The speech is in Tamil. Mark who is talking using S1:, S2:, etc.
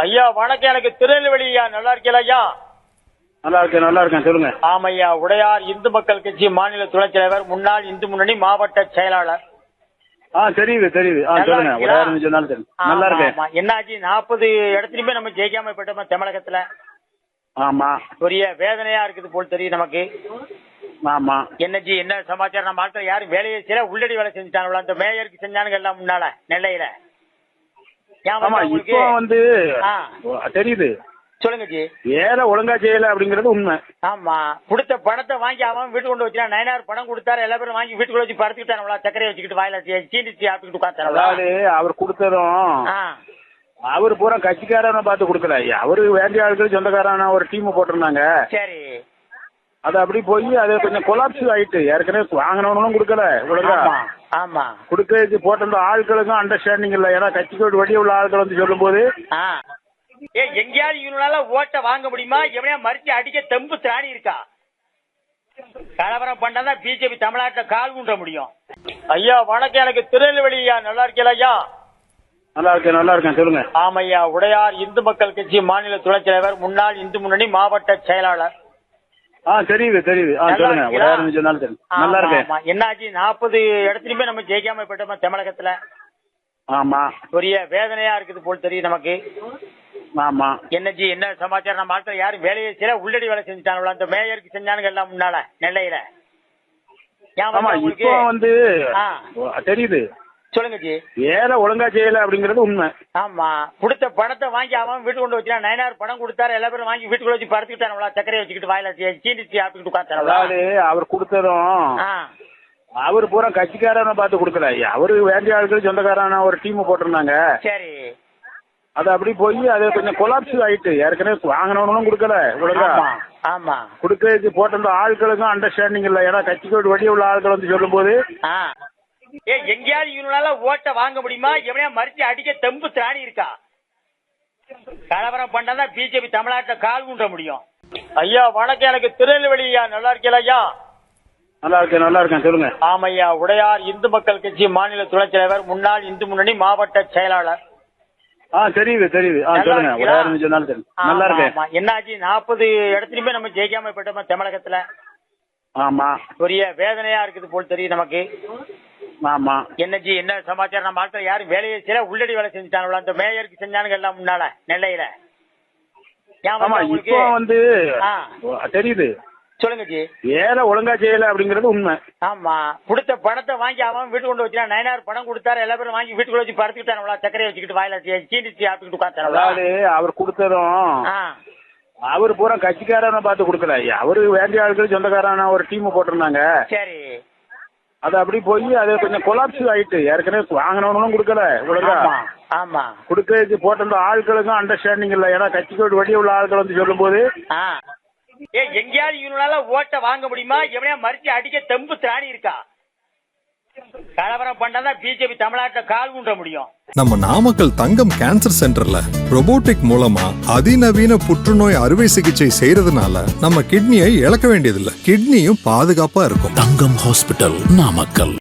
S1: ஐயா வணக்கம். எனக்கு திருநெல்வேலி ஐயா. நல்லா இருக்கீங்களா ஐயா?
S2: நல்லா இருக்கேன் சொல்லுங்க.
S1: ஆமையா, உடையார் இந்து மக்கள் கட்சி மாநில துணைத் தலைவர், முன்னாள் இந்து முன்னணி மாவட்ட செயலாளர்.
S2: தெரியுது சொல்லுங்க. உடையார் தெரியும். நல்லா இருக்கேன்.
S1: என்னாச்சு, 40 இடத்துலயுமே நம்ம ஜெயிக்காம போயிட்டோமா தமிழகத்துல?
S2: ஆமா.
S1: பெரிய வேதனையா இருக்குது போல் தெரியும் நமக்கு.
S2: ஆமா.
S1: என்னஜி, என்ன சமாச்சாரம்? நம்ம ஆட்கள் யாரும் வேலையை செய்யல, உள்ளடி வேலை செஞ்சுட்டாங்களா? அந்த மேயருக்கு செஞ்சானுங்க எல்லாம் முன்னால நெல்லையில.
S2: இப்போ தெரியுது.
S1: சொல்லுங்க ஜி.
S2: வேலை ஒழுங்கா செய்யல அப்படிங்கறது உண்மை.
S1: ஆமா, கொடுத்த பணத்தை வாங்கி அவன் வீட்டு கொண்டு வச்சான். 9,000 பணம் கொடுத்தாரு, எல்லா பேரும் வாங்கி வீட்டுக்குள்ள வச்சு படுத்துக்கிட்டாங்களா? சக்கரையை வச்சுக்கிட்டு வாயில சீனி சாப்பிட்டுக்கிட்டு உட்காந்துட்டாங்களா?
S2: அவர் கொடுத்ததும் அவரு பூரா கட்சிக்காரனை பார்த்து கொடுக்கல. அவரு வேண்டிய ஆட்கள் சொந்தக்காரான ஒரு டீம் போட்டிருந்தாங்க.
S1: சரி,
S2: அது அப்படி போய் அது கொஞ்சம் கொலாப்ஸ் ஆயிட்டு. ஏற்கனவே வாங்கினவனும் கொடுக்கல ஒழுங்கா.
S1: ஆமா,
S2: கொடுக்க போட்டிருந்த ஆட்களுக்கும் அண்டர்ஸ்டாண்டிங் இல்ல. ஏன்னா கட்சிக்கு வெளியே உள்ள ஆட்கள் வந்து சொல்லும் போது
S1: எங்கேயாவது இவனால ஓட்ட வாங்க முடியுமா? எவனையா மறிச்சு அடிக்க தெம்பு திராணி இருக்கா? கலவரம் பண்ணாதான் பிஜேபி தமிழ்நாட்டில் கால் ஊன்ற முடியும். ஐயா வணக்கம். எனக்கு திருநெல்வேலி ஐயா. நல்லா இருக்கீங்களா ஐயா?
S2: நல்லா இருக்கேன் சொல்லுங்க.
S1: ஆமையா, உடையார் இந்து மக்கள் கட்சி மாநில துணைத் தலைவர், முன்னாள் இந்து முன்னணி மாவட்ட செயலாளர்.
S2: தெரியுது சொல்லுங்க. உடையார் தெரியும். நல்லா இருக்கேன்.
S1: என்னாச்சு, 40 இடத்துலயுமே நம்ம ஜெயிக்காம போயிட்டோமா தமிழகத்துல?
S2: ஆமா.
S1: பெரிய வேதனையா இருக்குது போல் தெரியும் நமக்கு.
S2: ஆமா.
S1: என்னஜி, என்ன சமாச்சாரம்? நம்ம ஆட்கள் யாரும் வேலையை செய்யல, உள்ளடி வேலை செஞ்சுட்டாங்களா? அந்த மேயருக்கு செஞ்சானுங்க எல்லாம் முன்னால நெல்லையில.
S2: இப்போ தெரியுது.
S1: சொல்லுங்க ஜி.
S2: வேலை ஒழுங்கா செய்யல அப்படிங்கறது உண்மை.
S1: ஆமா, கொடுத்த பணத்தை வாங்கி அவன் வீட்டு கொண்டு வச்சான். 9,000 பணம் கொடுத்தாரு, எல்லா பேரும் வாங்கி வீட்டுக்குள்ள வச்சு படுத்துக்கிட்டாங்களா? சக்கரையை வச்சுக்கிட்டு வாயில சீனி சாப்பிட்டுக்கிட்டு உட்காந்துட்டாங்களா?
S2: அவர் கொடுத்ததும் அவரு பூரா கட்சிக்காரனை பார்த்து கொடுக்கல. அவரு வேண்டிய ஆட்கள் சொந்தக்காரான ஒரு டீம் போட்டிருந்தாங்க.
S1: சரி,
S2: அது அப்படி போய் அது கொஞ்சம் கொலாப்ஸ் ஆயிட்டு. ஏற்கனவே வாங்கினவனும் கொடுக்கல ஒழுங்கா.
S1: ஆமா,
S2: கொடுக்க போட்டிருந்த ஆட்களுக்கும் அண்டர்ஸ்டாண்டிங் இல்ல. ஏன்னா கட்சிக்கு வெளியே உள்ள ஆட்கள் வந்து சொல்லும் போது
S1: எங்கேயாவது இவனால ஓட்ட வாங்க முடியுமா? எவனையா மறிச்சு அடிக்க தெம்பு திராணி இருக்கா? கலவரம் பண்ணாதான் பிஜேபி தமிழ்நாட்டில் கால் ஊன்ற முடியும். ஐயா வணக்கம். எனக்கு திருநெல்வேலி ஐயா. நல்லா இருக்கீங்களா ஐயா?
S2: நல்லா இருக்கேன் சொல்லுங்க.
S1: ஆமையா, உடையார் இந்து மக்கள் கட்சி மாநில துணைத் தலைவர், முன்னாள் இந்து முன்னணி மாவட்ட செயலாளர்.
S2: தெரியுது சொல்லுங்க. உடையார் தெரியும். நல்லா இருக்கேன்.
S1: என்னாச்சு, 40 இடத்துலயுமே நம்ம ஜெயிக்காம போயிட்டோமா தமிழகத்துல?
S2: ஆமா.
S1: பெரிய வேதனையா இருக்குது போல் தெரியும் நமக்கு.
S2: ஆமா.
S1: என்னஜி, என்ன சமாச்சாரம்? நம்ம ஆட்கள் யாரும் வேலையை செய்யல, உள்ளடி வேலை செஞ்சுட்டாங்களா? அந்த மேயருக்கு செஞ்சானுங்க எல்லாம் முன்னால நெல்லையில.
S2: இப்போ தெரியுது.
S1: சொல்லுங்க ஜி.
S2: வேலை ஒழுங்கா செய்யல அப்படிங்கறது உண்மை.
S1: ஆமா, கொடுத்த பணத்தை வாங்கி அவன் வீட்டு கொண்டு வச்சான். 9,000 பணம் கொடுத்தாரு, எல்லா பேரும் வாங்கி வீட்டுக்குள்ள வச்சு படுத்துக்கிட்டாங்களா? சக்கரையை வச்சுக்கிட்டு வாயில சீனி சாப்பிட்டுக்கிட்டு உட்காந்துட்டாங்களா?
S2: அவர் கொடுத்ததும் அவரு பூரா கட்சிக்காரனை பார்த்து கொடுக்கல. அவரு வேண்டிய ஆட்கள் சொந்தக்காரான ஒரு டீம் போட்டிருந்தாங்க.
S1: சரி,
S2: அது அப்படி போய் அது கொஞ்சம் கொலாப்ஸ் ஆயிட்டு. ஏற்கனவே வாங்கினவனும் கொடுக்கல ஒழுங்கா.
S1: ஆமா,
S2: கொடுக்க போட்டிருந்த ஆட்களுக்கும் அண்டர்ஸ்டாண்டிங் இல்ல. ஏன்னா கட்சிக்கு வெளியே உள்ள ஆட்கள் வந்து சொல்லும் போது
S1: எங்கேயாவது இவனால ஓட்ட வாங்க முடியுமா? எவனையா மறிச்சு அடிக்க தெம்பு திராணி இருக்கா? கலவரம் பண்ணாதான் பிஜேபி தமிழ்நாட்டில் கால் ஊன்ற முடியும்.
S3: நம்ம நாமக்கல் தங்கம் கேன்சர் சென்டர்ல ரோபோட்டிக் மூலமா அதிநவீன புற்றுநோய் அறுவை சிகிச்சை செய்யறதுனால நம்ம கிட்னியை இழக்க வேண்டியதில்லை. கிட்னியும் பாதுகாப்பா இருக்கும்.
S4: தங்கம் ஹாஸ்பிட்டல், நாமக்கல்.